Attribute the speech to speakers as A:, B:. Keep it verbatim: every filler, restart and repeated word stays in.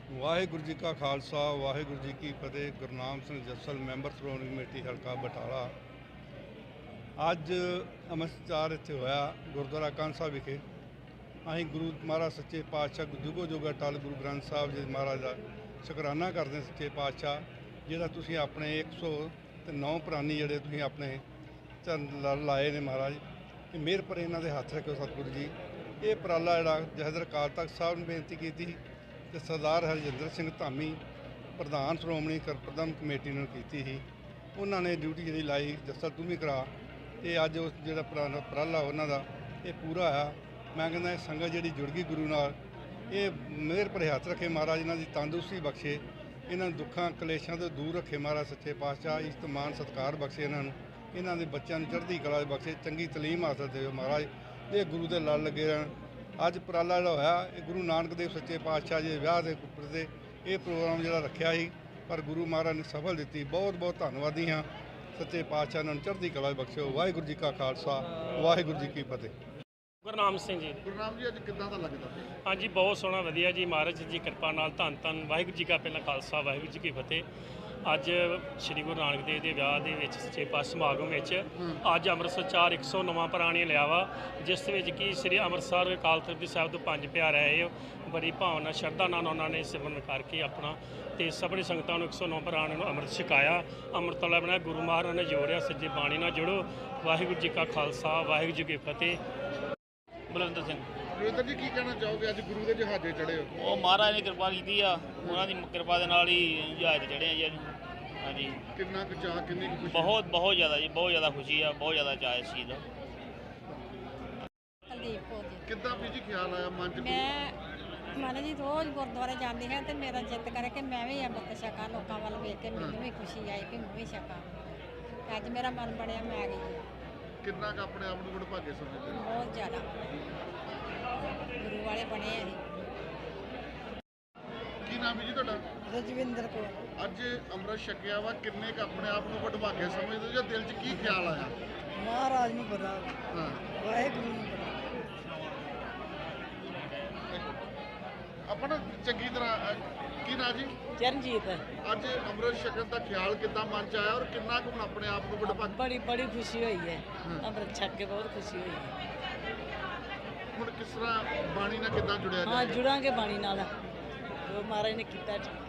A: ਵਾਹਿਗੁਰੂ ਜੀ ਕਾ ਖਾਲਸਾ ਵਾਹਿਗੁਰੂ ਜੀ ਕੀ ਫਤਿਹ। ਗੁਰਨਾਮ ਸਿੰਘ ਜੱਸਲ ਮੈਂਬਰ ਸ਼੍ਰੋਮਣੀ ਕਮੇਟੀ ਹਲਕਾ ਬਟਾਲਾ। ਅੱਜ ਅੰਮ੍ਰਿਤਸਰ ਇੱਥੇ ਹੋਇਆ ਗੁਰਦੁਆਰਾ ਕੰਨ ਸਾਹਿਬ ਵਿਖੇ। ਅਸੀਂ ਗੁਰੂ ਮਹਾਰਾਜ ਸੱਚੇ ਪਾਤਸ਼ਾਹ ਜੁਗੋ ਜੁਗ ਅਟਲ ਗੁਰੂ ਗ੍ਰੰਥ ਸਾਹਿਬ ਜੀ ਮਹਾਰਾਜ ਦਾ ਸ਼ੁਕਰਾਨਾ ਕਰਦੇ ਸੱਚੇ ਪਾਤਸ਼ਾਹ, ਜਿਹੜਾ ਤੁਸੀਂ ਆਪਣੇ ਇੱਕ ਸੌ ਤੇ ਨੌ ਪ੍ਰਾਨੀ ਜਿਹੜੇ ਤੁਸੀਂ ਆਪਣੇ ਚਰਨ ਲਾਏ ਨੇ ਮਹਾਰਾਜ, ਇਹ ਮਿਹਰ ਪਰ ਇਹਨਾਂ ਦੇ ਹੱਥ ਰੱਖਿਓ ਸਤਿਗੁਰੂ ਜੀ। ਇਹ ਉਪਰਾਲਾ ਜਿਹੜਾ ਜਥੇਦਾਰ ਅਕਾਲ ਤਖਤ ਸਾਹਿਬ ਨੇ ਬੇਨਤੀ ਕੀਤੀ ਤੇ ਸਰਦਾਰ ਹਰਜਿੰਦਰ ਸਿੰਘ ਧਾਮੀ ਪ੍ਰਧਾਨ ਸ਼੍ਰੋਮਣੀ ਪ੍ਰਬੰਧਕ ਕਮੇਟੀ ਨੂੰ ਕੀਤੀ ਸੀ। ਉਹਨਾਂ ਨੇ ਡਿਊਟੀ ਜਿਹੜੀ ਲਾਈ ਜੱਸਲ ਤੂੰ ਵੀ ਕਰਾ, ਤੇ ਅੱਜ ਉਸ ਜਿਹੜਾ ਉਪਰਾਲਾ ਉਹਨਾਂ ਦਾ ਇਹ ਪੂਰਾ ਆ। ਮੈਂ ਕਹਿੰਦਾ ਇਹ ਸੰਗਤ ਜਿਹੜੀ ਜੁੜ ਗਈ ਗੁਰੂ ਨਾਲ, ਇਹ ਮਿਹਰ ਭਰੇ ਹੱਥ ਰੱਖੇ ਮਹਾਰਾਜ, ਇਹਨਾਂ ਦੀ ਤੰਦਰੁਸਤੀ ਬਖਸ਼ੇ, ਇਹਨਾਂ ਨੂੰ ਦੁੱਖਾਂ ਕਲੇਸ਼ਾਂ ਤੋਂ ਦੂਰ ਰੱਖੇ ਮਹਾਰਾਜ ਸੱਚੇ ਪਾਤਸ਼ਾਹ। ਇਸਤਮਾਨ ਸਤਿਕਾਰ ਬਖਸ਼ੇ ਇਹਨਾਂ ਨੂੰ, ਇਹਨਾਂ ਦੇ ਬੱਚਿਆਂ ਨੂੰ ਚੜ੍ਹਦੀ ਕਲਾ ਬਖਸ਼ੇ, ਚੰਗੀ ਤਲੀਮ ਹਾਸਲ ਦੇਵੇ ਮਹਾਰਾਜ। ਇਹ ਗੁਰੂ ਦੇ ਲੜ ਲੱਗੇ ਰਹਿਣ। ਅੱਜ ਉਪਰਾਲਾ ਜਿਹੜਾ ਹੋਇਆ ਇਹ ਗੁਰੂ ਨਾਨਕ ਦੇਵ ਸੱਚੇ ਪਾਤਸ਼ਾਹ ਜੀ ਦੇ ਵਿਆਹ ਦੇ ਉੱਪਰ ਤੇ ਇਹ ਪ੍ਰੋਗਰਾਮ ਜਿਹੜਾ ਰੱਖਿਆ ਸੀ, ਪਰ ਗੁਰੂ ਮਹਾਰਾਜ ਨੇ ਸਫਲ ਦਿੱਤੀ। ਬਹੁਤ ਬਹੁਤ ਧੰਨਵਾਦੀ ਹਾਂ ਸੱਚੇ ਪਾਤਸ਼ਾਹ, ਇਹਨਾਂ ਨੂੰ ਚੜ੍ਹਦੀ ਕਲਾ ਬਖਸ਼ਿਓ। ਵਾਹਿਗੁਰੂ ਜੀ ਕਾ ਖਾਲਸਾ ਵਾਹਿਗੁਰੂ ਜੀ ਕੀ ਫਤਿਹ।
B: ਗੁਰਨਾਮ ਸਿੰਘ ਜੀ।
C: ਗੁਰਨਾਮ ਜੀ ਅੱਜ ਕਿੱਦਾਂ ਦਾ ਲੱਗਦਾ?
B: ਹਾਂਜੀ ਬਹੁਤ ਸੋਹਣਾ ਵਧੀਆ ਜੀ, ਮਹਾਰਾਜ ਜੀ ਕਿਰਪਾ ਨਾਲ ਧੰਨ ਧੰਨ ਵਾਹਿਗੁਰੂ ਜੀ ਕਾ ਪਹਿਲਾ ਖਾਲਸਾ ਵਾਹਿਗੁਰੂ ਜੀ ਕੀ ਫਤਿਹ। ਅੱਜ ਸ੍ਰੀ ਗੁਰੂ ਨਾਨਕ ਦੇਵ ਦੇ ਵਿਆਹ ਦੇ ਵਿੱਚ ਸੱਚੇ ਪਾਤਸ਼ਾਹ ਸਮਾਗਮ ਵਿੱਚ ਅੱਜ ਅੰਮ੍ਰਿਤਸਰ ਚਾਰ ਇੱਕ ਸੌ ਨਵਾਂ ਪ੍ਰਾਣੀ ਲਿਆ ਵਾ, ਜਿਸ ਵਿੱਚ ਕਿ ਸ੍ਰੀ ਅੰਮ੍ਰਿਤਸਰ ਅਕਾਲ ਤਖਤ ਸਾਹਿਬ ਤੋਂ ਪੰਜ ਪਿਆਰੇ ਆਏ। ਬੜੀ ਭਾਵਨਾ ਸ਼ਰਧਾ ਨਾਲ ਉਹਨਾਂ ਨੇ ਸਿਮਰਨ ਕਰਕੇ ਆਪਣਾ ਤੇ ਸਭਨੀ ਸੰਗਤਾਂ ਨੂੰ ਇੱਕ ਸੌ ਨੌ ਪ੍ਰਾਣੀਆਂ ਨੂੰ ਅੰਮ੍ਰਿਤ ਛਕਾਇਆ। ਅੰਮ੍ਰਿਤ ਵਾਲਾ ਬਣਿਆ ਗੁਰੂ ਮਹਾਰਾਜ ਨੇ ਜੋੜਿਆ, ਸੱਜੇ ਬਾਣੀ ਨਾਲ ਜੁੜੋ। ਵਾਹਿਗੁਰੂ ਜੀ ਕਾ ਖਾਲਸਾ ਵਾਹਿਗੁਰੂ ਜੀ ਕੀ ਫਤਿਹ। ਬਲਵਿੰਦਰ ਸਿੰਘ।
C: ਬਲਵਿੰਦਰ ਜੀ ਕੀ ਕਹਿਣਾ ਚਾਹੋਗੇ? ਅੱਜ ਗੁਰੂ ਦੇ ਜਹਾਜ਼ੇ ਚੜ੍ਹੇ ਹੋ।
D: ਉਹ ਮਹਾਰਾਜ ਨੇ ਕਿਰਪਾ ਕੀਤੀ ਆ, ਉਹਨਾਂ ਦੀ ਕਿਰਪਾ ਦੇ ਨਾਲ ਹੀ ਜਹਾਜ਼ ਚੜ੍ਹੇ ਆ ਜੀ ਅੱਜ। ਹਾਂਜੀ
C: ਕਿੰਨਾ ਕੁ ਚਾਅ, ਕਿੰਨੀ ਕੁ ਖੁਸ਼ੀ?
D: ਬਹੁਤ ਬਹੁਤ ਜ਼ਿਆਦਾ ਜੀ, ਬਹੁਤ ਜ਼ਿਆਦਾ ਖੁਸ਼ੀ ਆ, ਬਹੁਤ ਜ਼ਿਆਦਾ ਚਾਅ ਇਸ ਚੀਜ਼ ਦਾ।
E: ਕੁਲਦੀਪ ਕੌਰ ਜੀ।
C: ਕਿੱਦਾਂ ਵੀ ਜੀ ਖਿਆਲ ਆਇਆ ਮਨ 'ਚ?
E: ਮੈਂ ਮਨ ਜੀ ਰੋਜ਼ ਗੁਰਦੁਆਰੇ ਜਾਂਦੀ ਹਾਂ ਤੇ ਮੇਰਾ ਜਿੱਤ ਕਰੇ ਕਿ ਮੈਂ ਵੀ ਅੰਮ੍ਰਿਤ ਛਕਾਂ, ਲੋਕਾਂ ਵੱਲ ਵੇਖ ਕੇ ਮੈਨੂੰ ਵੀ ਖੁਸ਼ੀ ਆਈ ਕਿ ਮੈਂ ਵੀ ਛਕਾਂ। ਤੇ ਅੱਜ ਮੇਰਾ ਮਨ ਬਣਿਆ ਮੈਂ ਆ ਗਈ।
C: ਕਿੰਨਾ ਕੁ ਆਪਣੇ ਆਪ ਨੂੰ ਵਡਭਾਗੇ ਸਮਝਦੇ ਹੋ?
E: ਬਹੁਤ ਜ਼ਿਆਦਾ ਗੁਰੂ ਵਾਲੇ ਬਣੇ ਆ ਜੀ।
C: ਕੀ ਨਾਮ ਹੈ ਜੀ ਤੁਹਾਡਾ?
E: ਰਜਵਿੰਦਰ ਕੌਰ।
C: ਅੱਜ ਅੰਮ੍ਰਿਤ ਛਕਿਆ ਵਾ, ਕਿੰਨੇ ਕੁ ਆਪਣੇ ਆਪ ਨੂੰ ਵਡਭਾਗੇ ਸਮਝਦੇ ਹੋ ਜਾਂ ਦਿਲ 'ਚ ਕੀ ਖਿਆਲ ਆਇਆ?
E: ਮਹਾਰਾਜ ਨੂੰ ਪਤਾ,
C: ਹਾਂ
E: ਵਾਹਿਗੁਰੂ ਨੂੰ ਪਤਾ।
C: ਆਪਣਾ ਚੰਗੀ ਤਰ੍ਹਾਂ ਅ, ਕੀ ਨਾਂ ਜੀ?
E: ਚਰਨਜੀਤ।
C: ਅੱਜ ਅੰਮ੍ਰਿਤ ਛਕਣ ਦਾ ਖਿਆਲ ਕਿੱਦਾਂ ਮਨ 'ਚ ਆਇਆ ਔਰ ਕਿੰਨਾ ਕੁ ਹੁਣ ਆਪਣੇ ਆਪ ਨੂੰ ਵਡਭਾਗੇ?
E: ਬੜੀ ਬੜੀ ਖੁਸ਼ੀ ਹੋਈ ਹੈ, ਅੰਮ੍ਰਿਤ ਛਕ ਕੇ ਬਹੁਤ ਖੁਸ਼ੀ ਹੋਈ ਹੈ।
C: ਹੁਣ ਕਿਸ ਤਰ੍ਹਾਂ ਬਾਣੀ ਨਾਲ ਕਿੱਦਾਂ ਜੁੜਿਆ
E: ਹਾਂ
C: ਜਾਏ?
E: ਜੁੜਾਂਗੇ ਬਾਣੀ ਨਾਲ, ਜੋ ਮਹਾਰਾਜ ਨੇ ਕੀਤਾ।